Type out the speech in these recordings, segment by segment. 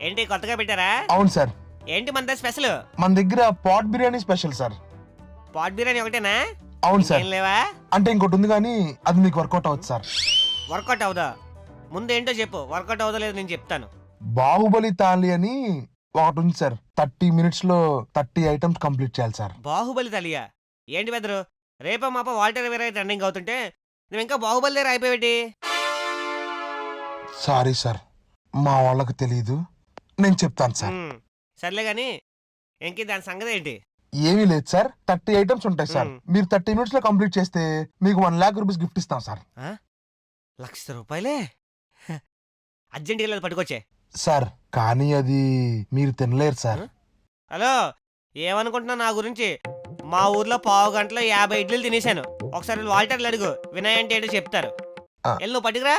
ఏంటి కొత్తగా పెట్టారా? అవును సార్. ఏంటి మన స్పెషల్? మన దగ్గర pot biryani special sir. Pot biryani ఒకటేనా? అవును సార్. ఏం లేవా? అంటే ఇంకోటి ఉంది కానీ అది మీకు వర్కౌట్ అవుతుంది సార్. వర్కౌట్ అవుదా? ముందు ఏంటో చెప్పు, వర్కౌట్ అవుదా లేదు నేను చెప్తాను. బాహుబలి తాలి అని ఒకటి ఉంది సార్. 30 minutes లో 30 items కంప్లీట్ చేయాలి సార్. బాహుబలి తలియా? ఏంటి బెదరు, రేప మాప వాల్టర్ వేరే ట్రెండింగ్ అవుతుంటే నువ్వు ఇంకా బాహుబలి దగ్గర అయిపోయాటి? సారీ సార్, మా వాళ్ళకి తెలియదు, నేను చెప్తాను సార్. సర్లే గాని ఇంక దాని సంగతి ఏంటి? ఏమీ లేదు సార్, 30 items ఉంటాయి సార్. మీరు 30 minutes లో కంప్లీట్ చేస్తే మీకు 1 lakh rupees గిఫ్ట్ ఇస్తాం సార్. 1,00,000 రూపాయలే? అర్జెంట్గా లేదు, పట్టుకొచ్చే సార్. కానీ అది మీరు తినలేరు సార్. హలో, ఏమనుకుంటున్నావు నా గురించి? మా ఊర్లో పావు గంటలో 50 ఇడ్లీలు తినేశాను. ఒకసారి వాల్టర్లు అడుగు, వినయ్ అంటే ఏంటో చెప్తారు. వెళ్ళి నువ్వు పట్టుకురా.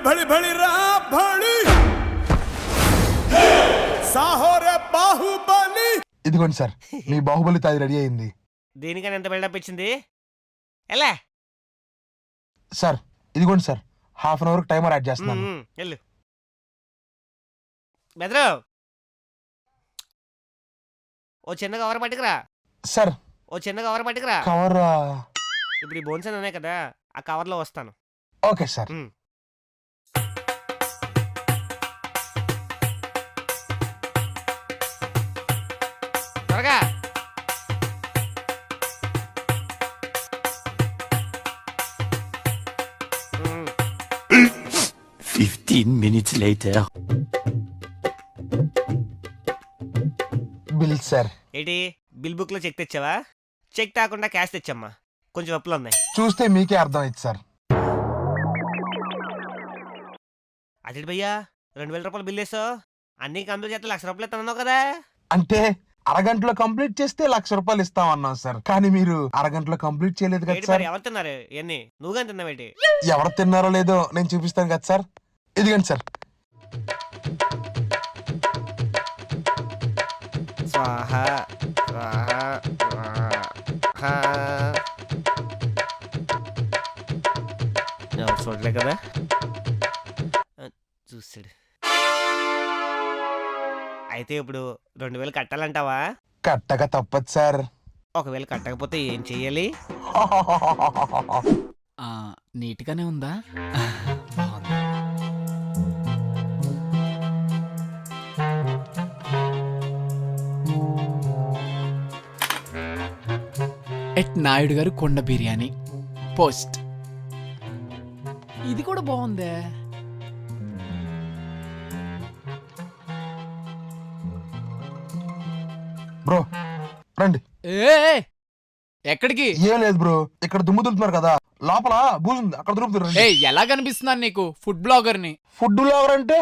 ఇదిగోండి సార్, మీ బాహుబలి తాది రెడీ అయింది. దీనికని ఎంత బిల్డప్ ఇచ్చింది? ఎలా సార్? ఇదిగోండి సార్, 1/2 hour టైమర్ యాడ్ చేస్తున్నాను. వెళ్ళు బెదరు, ఓ చిన్న కవర్ పట్టుకురా. సార్ ఓ చిన్న కవర్ పట్టుకురా. కవర్? ఇప్పుడు ఈ బోన్స్ ఉన్నాయి కదా, ఆ కవర్లో వస్తాను. Okay sir. త్వరగా. మ్మ్. 15 minutes later. Bill sir. ఏంటి బిల్ బుక్ లో చెక్ తెచ్చావా? చెక్ తాకుండా క్యాష్ తెచ్చమ్మా, కొంచెం అప్పులు ఉన్నాయి. చూస్తే మీకే అర్థం అయింది సార్. అదే భయ్యా, 2,000 రూపాయలు బిల్ వేసావు, అన్ని కంప్లీట్ చేస్తే 1,00,000 రూపాయలు ఇస్తానన్నావు కదా? అంటే అరగంటలో కంప్లీట్ చేస్తే 1,00,000 రూపాయలు ఇస్తాం అన్నాం సార్. కానీ మీరు అరగంటలో కంప్లీట్ చేయలేదు కదా సార్. ఎవరు తిన్నారు ఇవన్నీ? నువ్వుగా తిన్నావేంటి? ఎవరు తిన్నారో లేదో నేను చూపిస్తాను కదా సార్. ఇదిగండి సార్. స్వాహా స్వాహా స్వాహా. ఎవరు చూడలే కదా, చూసాడు. అయితే ఇప్పుడు 2,000 కట్టాలంటావా? కట్టక తప్పదు సార్. ఒకవేళ కట్టకపోతే ఏం చెయ్యాలి? నీట్గానే ఉందా? ఎట్ నాయుడు గారు కొండ బిర్యానీ పోస్ట్. ఇది కూడా బాగుందే. బ్రో రండి. ఎక్కడికి? ఏం లేదు బ్రో, ఇక్కడ దుమ్ము దులుతున్నారు కదా, లోపల బూజు ఉంది, అక్కడ దులుపుతారు. ఎలా కనిపిస్తున్నాను నీకు? ఫుడ్ బ్లాగర్ని. ఫుడ్ బ్లాగర్ అంటే?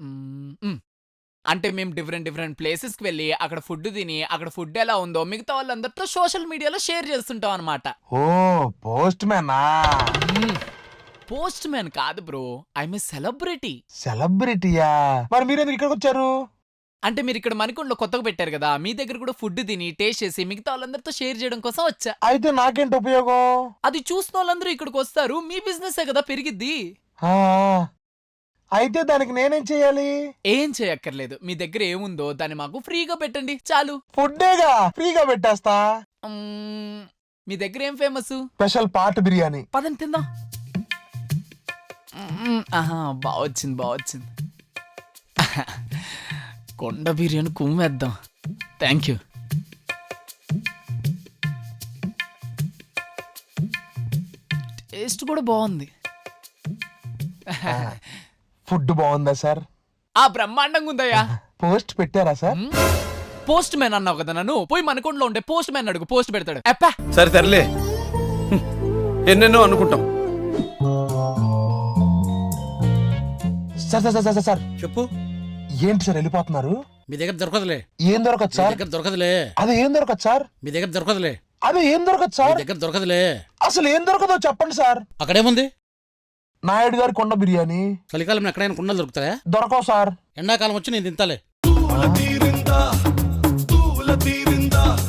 అంటే మేము డిఫరెంట్ ప్లేసెస్కి వెళ్ళి అక్కడ ఫుడ్ తిని అక్కడ ఫుడ్ ఎలా ఉందో మిగతా వాళ్ళందరితో సోషల్ మీడియాలో షేర్ చేస్తుంటాం అనమాట. ఓ పోస్ట్ మ్యానా? పోస్ట్ మ్యాన్ కాదు బ్రో, ఐఎమ్ ఏ సెలబ్రిటీ. సెలబ్రిటీయా? మరి మీరెందుకు ఇక్కడికి వచ్చారు? అంటే మీరు ఇక్కడ మణికొండలో కొత్తగా పెట్టారు కదా, మీ దగ్గర కూడా ఫుడ్ తిని టేస్ట్ చేసి మిగతా వాళ్ళందరితో షేర్ చేయడం కోసం వచ్చా. అయితే నాకేంటి ఉపయోగం? అది చూసిన వాళ్ళందరూ ఇక్కడికి వస్తారు, మీ బిజినెస్ కదా పెరిగిద్ది. అయితే దానికి నేనేం చెయ్యాలి? ఏం చేయక్కర్లేదు, మీ దగ్గర ఏముందో దాన్ని మాకు ఫ్రీగా పెట్టండి చాలు. ఫుడ్డేగా, ఫ్రీగా పెట్టేస్తా. మీ దగ్గర ఏం ఫేమస్? Special pot biryani. పదని తిందాం. బావొచ్చింది. కొండ బిర్యానీ కుమ్మేద్దాం. Thank you. టేస్ట్ కూడా బాగుంది. ఫుడ్ బాగుందా సార్? బ్రహ్మాండంగా ఉందయ్యా. పోస్ట్ పెట్టారా సార్? పోస్ట్ మ్యాన్ అన్నావు కదా నన్ను, పోయి మనకొండలో ఉండే పోస్ట్ మ్యాన్ అడుగు, పోస్ట్ పెడతాడు. సరే తరలే, ఎన్నెన్నో అనుకుంటాం. సార్ చెప్పు. ఏంటి సార్ వెళ్ళిపోతున్నారు? మీ దగ్గర దొరకదులే. ఏం దొరకదు సార్? దొరకదులే. అది ఏం దొరకదు సార్? మీ దగ్గర దొరకదులే. అది ఏం దొరకదు సార్? దగ్గర దొరకదులే. అసలు ఏం దొరకదో చెప్పండి సార్. అక్కడేముంది? నాయుడు గారి కొండ బిర్యానీ. చలికాలం ఎక్కడైనా కుండలు దొరుకుతాయా? దొరకవు సార్. ఎండాకాలం వచ్చి నేను తింటాలే.